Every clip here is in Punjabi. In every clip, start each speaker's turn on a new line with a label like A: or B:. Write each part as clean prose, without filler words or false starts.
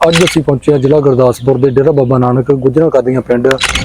A: ਅੱਜ ਅਸੀਂ ਪਹੁੰਚੇ ਹਾਂ ਜ਼ਿਲ੍ਹਾ ਗੁਰਦਾਸਪੁਰ ਦੇ ਡੇਰਾ ਬਾਬਾ ਨਾਨਕ ਗੁੱਜਰਾਂ ਕਾਦੀਆਂ ਪਿੰਡ।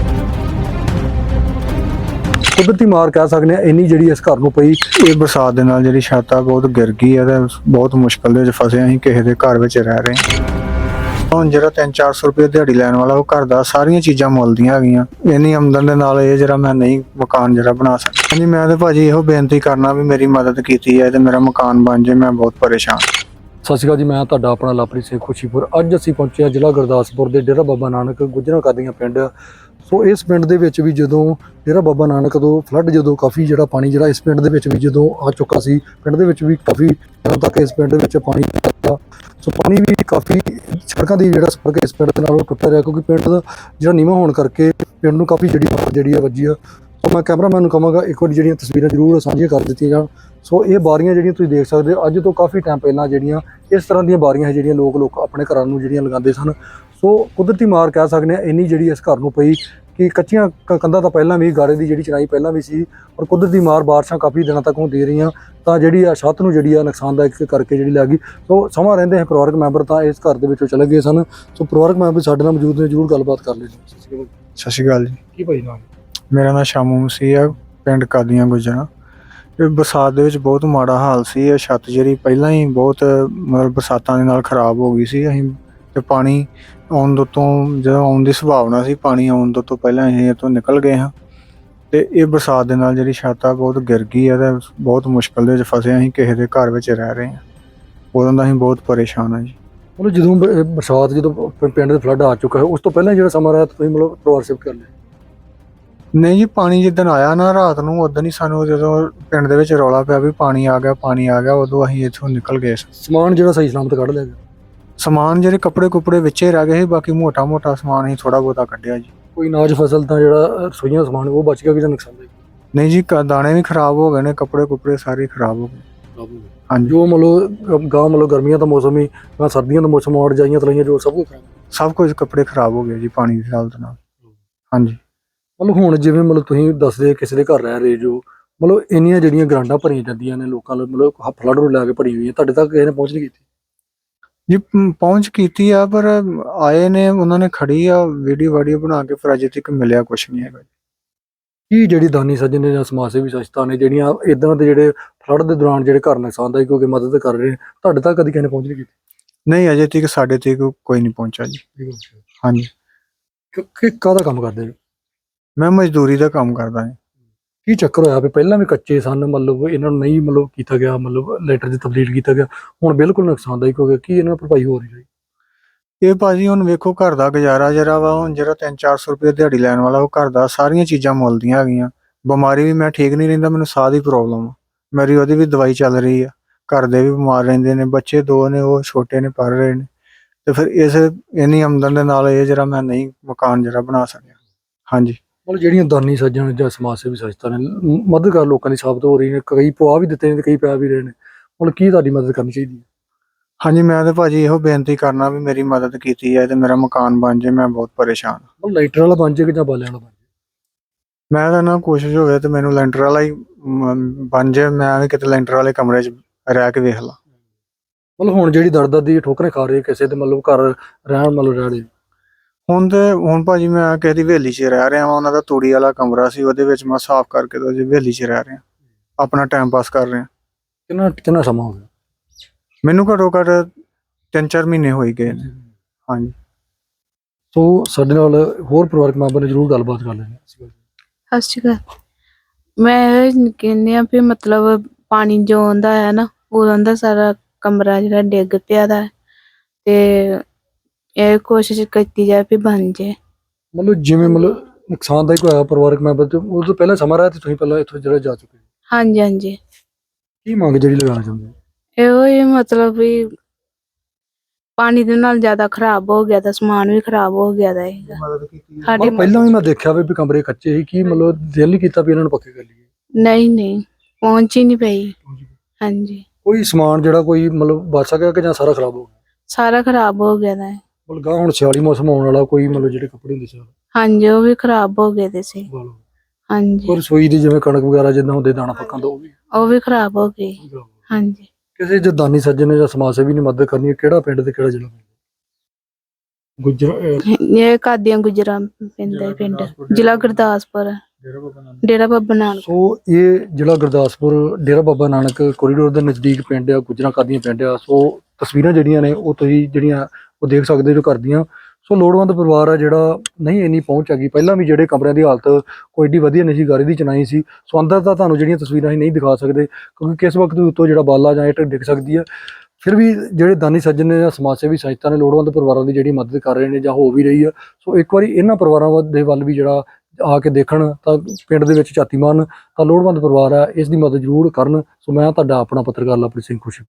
A: ਕੁਦਰਤੀ ਮਾਰ ਕਹਿ ਸਕਦੇ ਹਾਂ ਇੰਨੀ ਜਿਹੜੀ ਇਸ ਘਰ ਨੂੰ ਪਈ।
B: ਇਹ ਬਰਸਾਤ ਦੇ ਨਾਲ ਜਿਹੜੀ ਛੱਤ ਆ ਬਹੁਤ ਗਿਰ ਗਈ ਹੈ ਤੇ ਬਹੁਤ ਮੁਸ਼ਕਲ ਦੇ ਵਿੱਚ ਫਸੇ ਅਸੀਂ ਕਿਸੇ ਦੇ ਘਰ ਵਿੱਚ ਰਹਿ ਰਹੇ ਹਾਂ। ਹੁਣ ਜਿਹੜਾ 300-400 ਰੁਪਏ ਦਿਹਾੜੀ ਲੈਣ ਵਾਲਾ ਉਹ ਘਰ ਦਾ ਸਾਰੀਆਂ ਚੀਜ਼ਾਂ ਮੁੱਲ ਦੀਆਂ ਹੈਗੀਆਂ। ਇੰਨੀ ਆਮਦਨ ਦੇ ਨਾਲ ਇਹ ਜਿਹੜਾ ਮੈਂ ਨਹੀਂ ਮਕਾਨ ਜਿਹੜਾ ਬਣਾ ਸਕਦਾ। ਹਾਂਜੀ, ਮੈਂ ਤੇ ਭਾਜੀ ਇਹੋ ਬੇਨਤੀ ਕਰਨਾ ਵੀ ਮੇਰੀ ਮਦਦ ਕੀਤੀ ਹੈ ਤੇ ਮੇਰਾ ਮਕਾਨ ਬਣ ਜਾਏ। ਮੈਂ ਬਹੁਤ ਪਰੇਸ਼ਾਨ।
A: ਸਤਿ ਸ਼੍ਰੀ ਅਕਾਲ ਜੀ, ਮੈਂ ਤੁਹਾਡਾ ਆਪਣਾ ਲਵਪ੍ਰੀਤ ਸਿੰਘ ਖੁਸ਼ੀਪੁਰ। ਅੱਜ ਅਸੀਂ ਪਹੁੰਚੇ ਹਾਂ ਜ਼ਿਲ੍ਹਾ ਗੁਰਦਾਸਪੁਰ ਦੇ ਡੇਰਾ ਬਾਬਾ ਨਾਨਕ ਗੁੱਜਰਾਂ ਕਾਦੀਆਂ ਪਿੰਡ। ਸੋ ਇਸ ਪਿੰਡ ਦੇ ਵਿੱਚ ਵੀ ਜਦੋਂ ਡੇਰਾ ਬਾਬਾ ਨਾਨਕ ਤੋਂ ਫਲੱਡ ਜਦੋਂ ਕਾਫੀ ਜਿਹੜਾ ਪਾਣੀ ਜਿਹੜਾ ਇਸ ਪਿੰਡ ਦੇ ਵਿੱਚ ਵੀ ਜਦੋਂ ਆ ਚੁੱਕਾ ਸੀ, ਪਿੰਡ ਦੇ ਵਿੱਚ ਵੀ ਕਾਫੀ ਦਿਨਾਂ ਤੱਕ ਇਸ ਪਿੰਡ ਦੇ ਵਿੱਚ ਪਾਣੀ ਆਇਆ। ਸੋ ਪਾਣੀ ਵੀ ਕਾਫੀ ਸੜਕਾਂ ਦੀ ਜਿਹੜਾ ਸੰਪਰਕ ਇਸ ਪਿੰਡ ਦੇ ਨਾਲ ਉਹ ਟੁੱਟਿਆ ਰਿਹਾ, ਕਿਉਂਕਿ ਪਿੰਡ ਦਾ ਜਿਹੜਾ ਨੀਵਾਂ ਹੋਣ ਕਰਕੇ ਪਿੰਡ ਨੂੰ ਕਾਫੀ ਜਿਹੜੀ ਵੱਜੀ ਆ। ਸੋ ਮੈਂ ਕੈਮਰਾਮੈਨ ਨੂੰ ਕਹਾਂਗਾ ਇੱਕ ਵਾਰੀ ਜਿਹੜੀਆਂ ਤਸਵੀਰਾਂ ਜ਼ਰੂਰ ਸਾਂਝੀਆਂ ਕਰ ਦਿੱਤੀਆਂ ਜਾਣ। ਸੋ ਇਹ ਬਾਰੀਆਂ ਜਿਹੜੀਆਂ ਤੁਸੀਂ ਦੇਖ ਸਕਦੇ ਹੋ, ਅੱਜ ਤੋਂ ਕਾਫੀ ਟਾਈਮ ਪਹਿਲਾਂ ਜਿਹੜੀਆਂ ਇਸ ਤਰ੍ਹਾਂ ਦੀਆਂ ਬਾਰੀਆਂ ਹੈ ਜਿਹੜੀਆਂ ਲੋਕ ਆਪਣੇ ਘਰਾਂ ਨੂੰ ਜਿਹੜੀਆਂ ਲਗਾਉਂਦੇ ਸਨ। ਸੋ ਕੁਦਰਤੀ ਮਾਰ ਕਹਿ ਸਕਦੇ ਹਾਂ ਇੰਨੀ ਜਿਹੜੀ ਇਸ ਘਰ ਨੂੰ ਪਈ ਕਿ ਕੱਚੀਆਂ ਕੰਧਾਂ ਤਾਂ ਪਹਿਲਾਂ ਵੀ, ਗਾਰੇ ਦੀ ਜਿਹੜੀ ਚਿਣਾਈ ਪਹਿਲਾਂ ਵੀ ਸੀ, ਔਰ ਕੁਦਰਤੀ ਮਾਰ ਬਾਰਿਸ਼ਾਂ ਕਾਫੀ ਦਿਨਾਂ ਤੱਕ ਹੁੰਦੀ ਰਹੀਆਂ ਤਾਂ ਜਿਹੜੀ ਆ ਛੱਤ ਨੂੰ ਜਿਹੜੀ ਆ ਨੁਕਸਾਨਦਾਇਕ ਕਰਕੇ ਜਿਹੜੀ ਲੱਗ ਗਈ। ਸੋ ਸਮਾਂ ਰਹਿੰਦੇ ਹੈ ਪਰਿਵਾਰਕ ਮੈਂਬਰ ਤਾਂ ਇਸ ਘਰ ਦੇ ਵਿੱਚੋਂ ਚਲੇ ਗਏ ਸਨ। ਸੋ ਪਰਿਵਾਰਕ ਮੈਂਬਰ ਸਾਡੇ ਨਾਲ ਮੌਜੂਦ ਨੇ, ਜ਼ਰੂਰ ਗੱਲਬਾਤ ਕਰ ਲਈ।
B: ਸਤਿ ਸ਼੍ਰੀ ਅਕਾਲ ਜੀ।
A: ਕੀ ਭਾਈ ਨਾਮ?
B: ਮੇਰਾ ਨਾਮ ਸ਼ਾਮੂ ਮਸੀਹ ਆ, ਪਿੰਡ ਕਾਦੀਆਂ ਗੁੱਜਰਾਂ। ਇਹ ਬਰਸਾਤ ਦੇ ਵਿੱਚ ਬਹੁਤ ਮਾੜਾ ਹਾਲ ਸੀ। ਇਹ ਛੱਤ ਜਿਹੜੀ ਪਹਿਲਾਂ ਹੀ ਬਹੁਤ ਮਤਲਬ ਬਰਸਾਤਾਂ ਦੇ ਨਾਲ ਖਰਾਬ ਹੋ ਗਈ ਸੀ। ਅਸੀਂ ਤੇ ਪਾਣੀ ਆਉਣ ਤੋਂ ਜਦੋਂ ਆਉਣ ਦੀ ਸੰਭਾਵਨਾ ਸੀ, ਪਾਣੀ ਆਉਣ ਤੋਂ ਪਹਿਲਾਂ ਅਸੀਂ ਇਹ ਤੋਂ ਨਿਕਲ ਗਏ ਹਾਂ। ਤੇ ਇਹ ਬਰਸਾਤ ਦੇ ਨਾਲ ਜਿਹੜੀ ਛੱਤ ਆ ਬਹੁਤ ਗਿਰ ਗਈ ਹੈ ਤੇ ਬਹੁਤ ਮੁਸ਼ਕਲ ਦੇ ਵਿੱਚ ਫਸੇ। ਅਸੀਂ ਕਿਸੇ ਦੇ ਘਰ ਵਿੱਚ ਰਹਿ ਰਹੇ ਹਾਂ। ਉਦੋਂ ਦਾ ਅਸੀਂ ਬਹੁਤ ਪਰੇਸ਼ਾਨ ਹਾਂ ਜੀ।
A: ਮਤਲਬ ਜਦੋਂ ਬਰਸਾਤ ਜਦੋਂ ਪਿੰਡ ਦੇ ਫਲੱਡ ਆ ਚੁੱਕਾ ਹੈ, ਉਸ ਤੋਂ ਪਹਿਲਾਂ ਜਿਹੜਾ ਸਮਾਂ ਰਿਹਾ ਤੁਸੀਂ ਮਤਲਬ ਪਰਿਵਾਰ ਸ਼ਿਫਟ ਕਰ ਲਿਆ?
B: ਨਹੀਂ ਜੀ, ਪਾਣੀ ਜਿੱਦਣ ਆਇਆ ਨਾ ਰਾਤ ਨੂੰ, ਉਦੋਂ ਹੀ ਸਾਨੂੰ ਜਦੋਂ ਪਿੰਡ ਦੇ ਵਿੱਚ ਰੌਲਾ ਪਿਆ ਵੀ ਪਾਣੀ ਆ ਗਿਆ, ਉਦੋਂ ਅਸੀਂ ਇੱਥੋਂ ਨਿਕਲ ਗਏ।
A: ਸਮਾਨ ਜਿਹੜਾ ਸਹੀ ਸਲਾਮਤ ਕੱਢ ਲਿਆ ਗਿਆ?
B: ਸਮਾਨ ਜਿਹੜੇ ਕੱਪੜੇ ਵਿੱਚੇ ਰਹਿ ਗਏ ਸੀ, ਬਾਕੀ ਮੋਟਾ ਸਮਾਨ ਅਸੀਂ ਥੋੜਾ ਬਹੁਤਾ ਕੱਢਿਆ ਜੀ।
A: ਕੋਈ ਅਨਾਜ ਫਸਲ ਤਾਂ ਜਿਹੜਾ ਰਸੋਈਆਂ ਸਮਾਨ ਉਹ ਬਚ ਗਿਆ ਕਿ ਜਾਂ ਨੁਕਸਾਨ ਦੇ?
B: ਨਹੀਂ ਜੀ, ਦਾਣੇ ਵੀ ਖਰਾਬ ਹੋ ਗਏ ਨੇ, ਕੱਪੜੇ ਸਾਰੇ ਖਰਾਬ ਹੋ ਗਏ। ਹਾਂਜੀ,
A: ਜੋ ਮਤਲਬ ਗਰਮੀਆਂ ਦਾ ਮੌਸਮ ਹੀ ਜਾਂ ਸਰਦੀਆਂ ਦਾ ਮੌਸਮ ਔਰ ਜਾਈਆਂ ਤਲਾਈਆਂ ਜੋ
B: ਸਭ ਕੁਝ ਕੱਪੜੇ ਖਰਾਬ ਹੋ ਗਏ ਜੀ ਪਾਣੀ ਦੀ ਹਾਲਤ ਨਾਲ। ਹਾਂਜੀ,
A: ਮਤਲਬ ਹੁਣ ਜਿਵੇਂ ਤੁਸੀਂ ਦੱਸਦੇ ਕਿਸੇ ਦੇ ਘਰ ਰਹਿ ਰਹੇ ਜੋ, ਮਤਲਬ ਇੰਨੀਆਂ ਜਿਹੜੀਆਂ ਗਰਾਂਡਾਂ ਭਰੀਆਂ ਜਾਂਦੀਆਂ ਨੇ ਲੋਕਾਂ ਨੂੰ, ਮਤਲਬ ਫਲੱਡ ਨੂੰ ਲੈ ਕੇ ਭਰੀ ਹੋਈ ਹੈ, ਤੁਹਾਡੇ ਤੱਕ ਕਿਸੇ ਨੇ ਪਹੁੰਚ ਨਹੀਂ ਕੀਤੀ
B: ਜੀ? ਪਹੁੰਚ ਕੀਤੀ ਆ, ਪਰ ਆਏ ਨੇ, ਉਹਨਾਂ ਨੇ ਖੜੀ ਆ ਵੀਡੀਓ ਬਣਾ ਕੇ, ਪਰ ਅਜੇ ਤੱਕ ਮਿਲਿਆ ਕੁਛ ਨਹੀਂ ਹੈਗਾ।
A: ਕੀ ਜਿਹੜੀ ਦਾਨੀ ਸੱਜਣ ਨੇ ਜਾਂ ਸਮਾਜ ਸੇਵੀ ਸੰਸਥਾ ਨੇ ਜਿਹੜੀਆਂ ਇਦਾਂ ਦੇ ਜਿਹੜੇ ਫਲੱਡ ਦੇ ਦੌਰਾਨ ਜਿਹੜੇ ਘਰ ਨੁਕਸਾਨਦਾਇਕ ਹੋ ਕੇ ਮਦਦ ਕਰ ਰਹੇ ਨੇ, ਤੁਹਾਡੇ ਤੱਕ ਕਦੀ ਕਿਸੇ ਨੇ ਪਹੁੰਚ ਨਹੀਂ ਕੀਤੀ?
B: ਨਹੀਂ, ਅਜੇ ਤੱਕ ਸਾਡੇ ਤੱਕ ਕੋਈ ਨਹੀਂ ਪਹੁੰਚਾ ਜੀ। ਹਾਂਜੀ,
A: ਕਾਹਦਾ ਕੰਮ ਕਰਦੇ ਨੇ?
B: ਮੈਂ ਮਜ਼ਦੂਰੀ ਦਾ ਕੰਮ ਕਰਦਾ ਹਾਂ।
A: ਕੀ ਚੱਕਰ ਹੋਇਆ ਵੀ ਪਹਿਲਾਂ ਵੀ ਕੱਚੇ ਸਨ, ਮਤਲਬ ਇਹਨਾਂ ਨੂੰ ਨਹੀਂ ਕੀਤਾ ਗਿਆ, ਮਤਲਬ ਲੈਟਰ 'ਚ ਤਬਦੀਲ ਕੀਤਾ ਗਿਆ, ਹੁਣ ਬਿਲਕੁਲ ਨੁਕਸਾਨਦਾਇਕ ਹੋ ਗਿਆ, ਕੀ ਇਹਨਾਂ ਨੂੰ ਭਰਪਾਈ ਹੋ ਰਹੀ ਹੈ?
B: ਇਹ ਭਾਜੀ ਹੁਣ ਵੇਖੋ, ਘਰ ਦਾ ਗੁਜ਼ਾਰਾ ਜਿਹੜਾ ਵਾ, ਹੁਣ ਜਿਹੜਾ 300-400 ਰੁਪਏ ਦਿਹਾੜੀ ਲੈਣ ਵਾਲਾ ਉਹ ਘਰ ਦਾ ਸਾਰੀਆਂ ਚੀਜ਼ਾਂ ਮੁੱਲ ਦੀਆਂ ਹੈਗੀਆਂ। ਬਿਮਾਰੀ ਵੀ ਮੈਂ ਠੀਕ ਨਹੀਂ ਰਹਿੰਦਾ, ਮੈਨੂੰ ਸਾਹ ਦੀ ਪ੍ਰੋਬਲਮ ਆ, ਮੇਰੀ ਉਹਦੀ ਵੀ ਦਵਾਈ ਚੱਲ ਰਹੀ ਆ। ਘਰ ਦੇ ਵੀ ਬਿਮਾਰ ਰਹਿੰਦੇ ਨੇ, ਬੱਚੇ 2 ਨੇ, ਉਹ ਛੋਟੇ ਨੇ, ਪੜ੍ਹ ਰਹੇ ਨੇ। ਤੇ ਫਿਰ ਇੰਨੀ ਆਮਦਨ ਦੇ ਨਾਲ ਇਹ ਜਿਹੜਾ ਮੈਂ ਨਹੀਂ ਮਕਾਨ ਜਿਹੜਾ ਬਣਾ ਸਕਿਆ। ਹਾਂਜੀ,
A: ਮਤਲਬ ਜਿਹੜੀਆਂ ਦਾਨੀ ਸੱਜਣ ਜਾਂ ਸਮਾਜ ਸੇਵੀ ਸੰਸਥਾ ਨੇ ਮਦਦਗਾਰ ਲੋਕਾਂ ਦੀ ਸਾਬਤ ਹੋ ਰਹੀ ਨੇ, ਕਈ ਪਵਾ ਵੀ ਦਿੱਤੇ ਨੇ ਤੇ ਕਈ ਪੈ ਵੀ ਰਹੇ ਨੇ, ਮਤਲਬ ਕੀ ਤੁਹਾਡੀ ਮਦਦ ਕਰਨੀ ਚਾਹੀਦੀ ਹੈ?
B: ਹਾਂਜੀ, ਮੈਂ ਤਾਂ ਭਾਜੀ ਇਹੋ ਬੇਨਤੀ ਕਰਨਾ ਵੀ ਮੇਰੀ ਮਦਦ ਕੀਤੀ ਹੈ ਤੇ ਮੇਰਾ ਮਕਾਨ ਬਣ ਜਾਏ। ਮੈਂ ਬਹੁਤ ਪਰੇਸ਼ਾਨ।
A: ਮਤਲਬ ਲਾਈਟਰ ਵਾਲਾ ਬਣ ਜਾਏ ਕਿ ਜਾਂ ਬਾਲਿਆਂ ਵਾਲਾ ਬਣ ਜਾਏ?
B: ਮੈਂ ਤਾਂ ਨਾ ਕੋਸ਼ਿਸ਼ ਹੋਵੇ ਤੇ ਮੈਨੂੰ ਲੈਂਟਰ ਵਾਲਾ ਹੀ ਬਣ ਜਾਏ। ਮੈਂ ਵੀ ਕਿਤੇ ਲੈਂਟਰ ਵਾਲੇ ਕਮਰੇ 'ਚ ਰਹਿ ਕੇ ਵੇਖ ਲਾ।
A: ਮਤਲਬ ਹੁਣ ਜਿਹੜੀ ਦਰਦ ਦੀ ਠੋਕਰੇ ਖਾ ਰਹੀ ਕਿਸੇ ਦੇ ਮਤਲਬ ਘਰ ਰਹਿਣ ਰਹਿ ਰਹੇ
B: ਹੁਣ ਭਾਜੀ ਮੈਂ ਕਿਸੇ ਦੀ ਹਵੇਲੀ 'ਚ ਰਹਿ ਰਿਹਾ ਵਾਂ। ਉਹਨਾਂ ਦਾ ਤੂੜੀ ਵਾਲਾ ਕਮਰਾ ਸੀ, ਉਹਦੇ ਵਿੱਚ ਮੈਂ ਸਾਫ਼ ਕਰਕੇ ਤੇ ਉਹਦੀ ਹਵੇਲੀ 'ਚ ਰਹਿ ਰਿਹਾ, ਆਪਣਾ ਟਾਈਮ ਪਾਸ ਕਰ ਰਿਹਾ।
A: ਕਿੰਨਾ ਸਮਾਂ ਹੋ ਗਿਆ?
B: ਮੈਨੂੰ ਘੱਟੋ ਘੱਟ 3-4 ਮਹੀਨੇ ਹੋਈ ਗਏ ਨੇ। ਹਾਂਜੀ,
A: ਸੋ ਸਾਡੇ ਨਾਲ ਹੋਰ ਪਰਿਵਾਰਕ ਮੈਂਬਰ ਨੇ, ਜ਼ਰੂਰ ਗੱਲਬਾਤ ਕਰ ਲੈਣੀ।
C: ਸਤਿ ਸ਼੍ਰੀ ਅਕਾਲ। ਮੈਂ ਕਹਿੰਦੀ ਆ ਵੀ ਮਤਲਬ ਪਾਣੀ ਜੋ ਆਉਂਦਾ ਹੈ ਨਾ, ਉਦੋਂ ਦਾ ਸਾਰਾ ਕਮਰਾ ਜਿਹੜਾ ਡਿੱਗ ਪਿਆ ਦਾ ਤੇ ਇਹ ਕੋਸ਼ਿਸ਼ ਕੀਤੀ ਜਾਏ ਵੀ ਬਣ ਜਾਏ।
A: ਮਤਲਬ ਜਿਵੇਂ ਨੁਕਸਾਨਦਾਇਕ ਹੋਇਆ ਪਰਿਵਾਰਕ ਮੈਂਬਰ ਤੇ ਉਹ ਤੋਂ ਪਹਿਲਾਂ ਸਮਾਂ ਰਿਹਾ ਤੇ ਤੁਸੀਂ ਪਹਿਲਾਂ ਇੱਥੋਂ ਜਿਹੜਾ ਜਾ ਚੁੱਕੇ?
C: ਹਾਂਜੀ।
A: ਕੀ ਮੰਗ ਜਿਹੜੀ ਲਗਾਉਣਾ ਚਾਹੁੰਦੇ?
C: ਇਹੋ ਹੀ ਮਤਲਬ ਵੀ ਪਾਣੀ ਦੇ ਨਾਲ ਜ਼ਿਆਦਾ ਖਰਾਬ ਹੋ ਗਿਆ ਤਾਂ ਸਮਾਨ ਵੀ ਖਰਾਬ ਹੋ ਗਿਆ ਦਾ ਹੈਗਾ। ਸਾਡੇ
A: ਪਹਿਲਾਂ ਵੀ ਮੈਂ ਦੇਖਿਆ ਵੀ ਕਮਰੇ ਕੱਚੇ ਸੀ, ਕੀ ਮਤਲਬ ਦਿਲ ਨਹੀਂ ਕੀਤਾ ਵੀ ਇਹਨਾਂ ਨੂੰ ਪੱਕੇ ਕਰ ਲਈਏ?
C: ਨਹੀਂ ਪਹੁੰਚ ਹੀ ਨਹੀਂ ਪਈ। ਹਾਂਜੀ,
A: ਕੋਈ ਸਮਾਨ ਜਿਹੜਾ ਕੋਈ ਮਤਲਬ ਬਚ ਸਕਿਆ ਕਿ ਜਾਂ ਸਾਰਾ ਖਰਾਬ ਹੋ ਗਿਆ?
C: ਸਾਰਾ ਖਰਾਬ ਹੋ ਗਿਆ ਦਾ ਹੈ।
A: ਮਤਲਬ ਹੁਣ ਸਿਆਲੀ ਮੌਸਮ ਆਉਣ ਵਾਲਾ, ਕੋਈ ਮਤਲਬ ਜਿਹੜੇ ਕੱਪੜੇ ਹੁੰਦੇ ਸੀ
C: ਹਾਂਜੀ ਉਹ ਵੀ ਖਰਾਬ ਹੋ ਗਏ ਦੇ ਸੀ। ਹਾਂਜੀ,
A: ਪਰ ਰਸੋਈ ਦੀ ਜਿਵੇਂ ਕਣਕ ਵਗੈਰਾ ਜਿੱਦਾਂ ਹੁੰਦੇ ਦਾਣਾ ਪੱਕਾਂ ਦਾ
C: ਉਹ ਵੀ ਖਰਾਬ ਹੋ ਗਏ। ਹਾਂਜੀ,
A: ਕਿਸੇ ਜੇ ਦਾਨੀ ਸੱਜਣ ਨੇ ਜਾਂ ਸਮਾਜ ਸੇਵੀ ਨੇ ਮਦਦ ਕਰਨੀ ਹੈ, ਕਿਹੜਾ ਪਿੰਡ ਤੇ ਕਿਹੜਾ ਜ਼ਿਲ੍ਹਾ?
C: ਇਹ ਕਾਦੀਆਂ ਗੁਜਰਾਂ ਪੈਂਦਾ ਹੈ ਪਿੰਡ, ਜ਼ਿਲ੍ਹਾ ਗੁਰਦਾਸਪੁਰ, ਡੇਰਾ ਬਾਬਾ ਨਾਨਕ।
A: ਸੋ ਇਹ ਜ਼ਿਲ੍ਹਾ ਗੁਰਦਾਸਪੁਰ ਡੇਰਾ ਬਾਬਾ ਨਾਨਕ ਕੋਰੀਡੋਰ ਦੇ ਨਜ਼ਦੀਕ ਪਿੰਡ ਆ, ਗੁਜਰਾਂ ਕਾਦੀਆਂ ਪਿੰਡ ਆ। ਸੋ ਤਸਵੀਰਾਂ ਜਿਹੜੀਆਂ ਨੇ ਉਹ ਤੁਸੀਂ ਜਿਹੜੀਆਂ ਉਹ ਦੇਖ ਸਕਦੇ ਜੋ ਘਰ ਦੀਆਂ। ਸੋ ਲੋੜਵੰਦ ਪਰਿਵਾਰ ਆ ਜਿਹੜਾ ਨਹੀਂ ਇੰਨੀ ਪਹੁੰਚ ਹੈਗੀ। ਪਹਿਲਾਂ ਵੀ ਜਿਹੜੇ ਕਮਰਿਆਂ ਦੀ ਹਾਲਤ ਕੋਈ ਏਡੀ ਵਧੀਆ ਨਹੀਂ ਸੀ, ਗਾਰੇ ਦੀ ਚਨਾਈ ਸੀ। ਸੋ ਅੰਦਰ ਤਾਂ ਤੁਹਾਨੂੰ ਜਿਹੜੀਆਂ ਤਸਵੀਰਾਂ ਅਸੀਂ ਨਹੀਂ ਦਿਖਾ ਸਕਦੇ ਕਿਉਂਕਿ ਕਿਸ ਵਕਤ ਦੇ ਉੱਤੋਂ ਜਿਹੜਾ ਬਾਲਾ ਜਾਂ ਇੱਟ ਡਿੱਗ ਸਕਦੀ ਹੈ। ਫਿਰ ਵੀ ਜਿਹੜੇ ਦਾਨੀ ਸੱਜਣ ਨੇ ਜਾਂ ਸਮਾਜ ਸੇਵੀ ਸੰਸਥਾ ਨੇ ਲੋੜਵੰਦ ਪਰਿਵਾਰਾਂ ਦੀ ਜਿਹੜੀ ਮਦਦ ਕਰ ਰਹੇ ਨੇ ਜਾਂ ਹੋ ਵੀ ਰਹੀ ਆ। ਸੋ ਇੱਕ ਵਾਰੀ ਇਹਨਾਂ ਪਰਿਵਾਰਾਂ ਦੇ ਵੱਲ ਵੀ ਜਿਹੜਾ ਆ ਕੇ ਦੇਖਣ ਤਾਂ ਪਿੰਡ ਦੇ ਵਿੱਚ ਝਾਤੀ ਮਾਰਨ ਤਾਂ ਲੋੜਵੰਦ ਪਰਿਵਾਰ ਆ, ਇਸ ਦੀ ਮਦਦ ਜ਼ਰੂਰ ਕਰਨ। ਸੋ ਮੈਂ ਤੁਹਾਡਾ ਆਪਣਾ ਪੱਤਰਕਾਰ ਲਵਪ੍ਰੀਤ ਸਿੰਘ ਖੁਸ਼ੀ।